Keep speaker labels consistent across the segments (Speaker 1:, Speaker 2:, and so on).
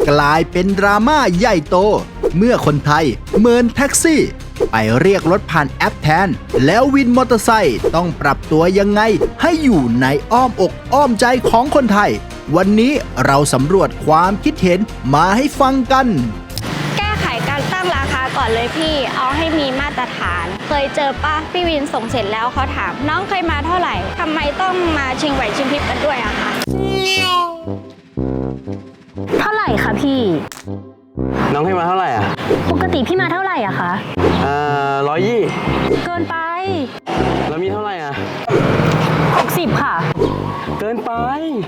Speaker 1: กลายเป็นดราม่าใหญ่โตเมื่อคนไทยเมินแท็กซี่ไปเรียกรถผ่านแอปแทนแล้ววินมอเตอร์ไซค์ต้องปรับตัวยังไงให้อยู่ในอ้อมอกอ้อมใจของคนไทยวันนี้เราสำรวจความคิดเห็นมาให้ฟังกัน
Speaker 2: แก้ไขการตั้งราคาก่อนเลยพี่เอาให้มีมาตรฐานเคยเจอป่ะพี่วินส่งเสร็จแล้วเขาถามน้องเคยมาเท่าไหร่ทำไมต้องมาชิงไหวชิงพริบกันด้วยอะคะ
Speaker 3: เท่าไหร่คะพี่
Speaker 4: น้องให้มาเท่าไหร่อ่ะ
Speaker 3: ปกติพี่มาเท่าไหร่อะคะ
Speaker 4: 120
Speaker 3: เกินไป
Speaker 4: แล้วมีเท่าไหร่อ่ะ
Speaker 3: 60ค่ะ
Speaker 4: เกินไป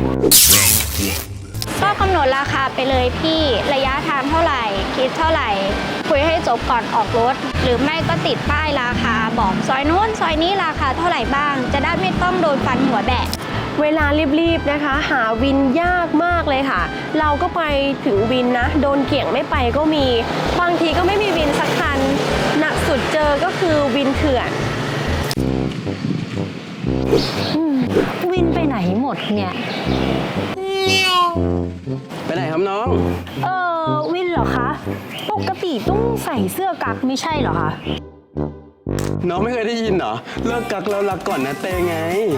Speaker 2: ก็กำหนดราคาไปเลยพี่ระยะทางเท่าไหร่คิดเท่าไหร่คุยให้จบก่อนออกรถหรือไม่ก็ติดป้ายราคาบอกซอยนู้นซอยนี้ราคาเท่าไหร่บ้างจะได้ไม่ต้องโดนฟันหัวแบะ
Speaker 5: เวลารีบๆนะคะหาวินยากมากเลยค่ะเราก็ไปถึงวินนะโดนเกี่ยงไม่ไปก็มีบางทีก็ไม่มีวินสักคันหนักสุดเจอก็คือวินเถื่อน
Speaker 3: วินไปไหนหมดเนี่ย
Speaker 4: ไปไหนครับน้อง
Speaker 3: วินเหรอคะปกติต้องใส่เสื้อกั๊กไม่ใช่เหรอคะ
Speaker 4: น้องไม่เคยได้ยินเหรอเลิกกักแล้วรักก่อนนะเตไง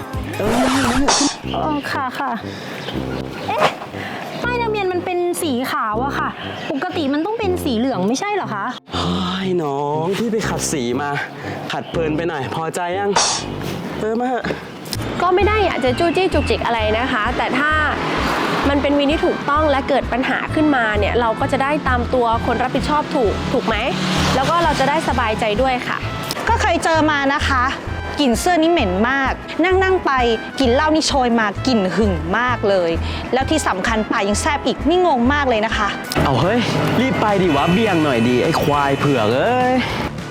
Speaker 3: ค่ะเอ๊ะป้ายทะเบียนมันเป็นสีขาวอะค่ะปกติมันต้องเป็นสีเหลืองไม่ใช่เหรอคะ
Speaker 4: เฮ้ยน้องพี่ไปขัดสีมาขัดเพลินไปหน่อยพอใจยังมา
Speaker 5: ก็ไม่ได้อยากจะจู้จี้จุกจิกอะไรนะคะแต่ถ้ามันเป็นวินที่ถูกต้องและเกิดปัญหาขึ้นมาเนี่ยเราก็จะได้ตามตัวคนรับผิดชอบถูกไหมแล้วก็เราจะได้สบายใจด้วยค่ะ
Speaker 6: ก็เคยเจอมานะคะกลิ่นเสื้อนี่เหม็นมากนั่งไปกลิ่นเหล้านี่โชยมากลิ่นหึ่งมากเลยแล้วที่สำคัญปากยังแซบอีกนี่งงมากเลยนะคะ
Speaker 4: เอาเฮ้ยรีบไปดิวะเบี่ยงหน่อยดีไอ้ควายเผือกเอ้ย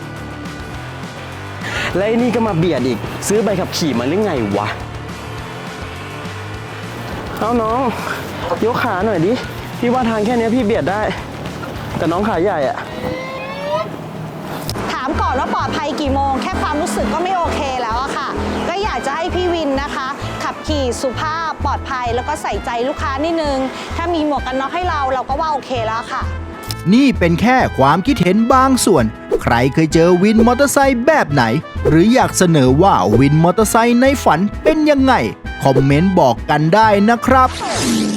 Speaker 4: แล้วไอ้นี่ก็มาเบียดอีกซื้อใบขับขี่มาหรือไงวะเอาน้องยกขาหน่อยดิพี่ว่าทางแค่นี้พี่เบียดได้แต่น้องขาใหญ่อะ
Speaker 6: ถามก่อนว่าปลอดภัยกี่โมงแค่ความรู้สึกก็ไม่โอเคแล้วอะค่ะก็อยากจะให้พี่วินนะคะขับขี่สุภาพปลอดภัยแล้วก็ใส่ใจลูกค้านิดนึงถ้ามีหมวกกันน็อกให้เราก็ว่าโอเคแล้วค่ะ
Speaker 1: นี่เป็นแค่ความคิดเห็นบางส่วนใครเคยเจอวินมอเตอร์ไซค์แบบไหนหรืออยากเสนอว่าวินมอเตอร์ไซค์ในฝันเป็นยังไงคอมเมนต์บอกกันได้นะครับ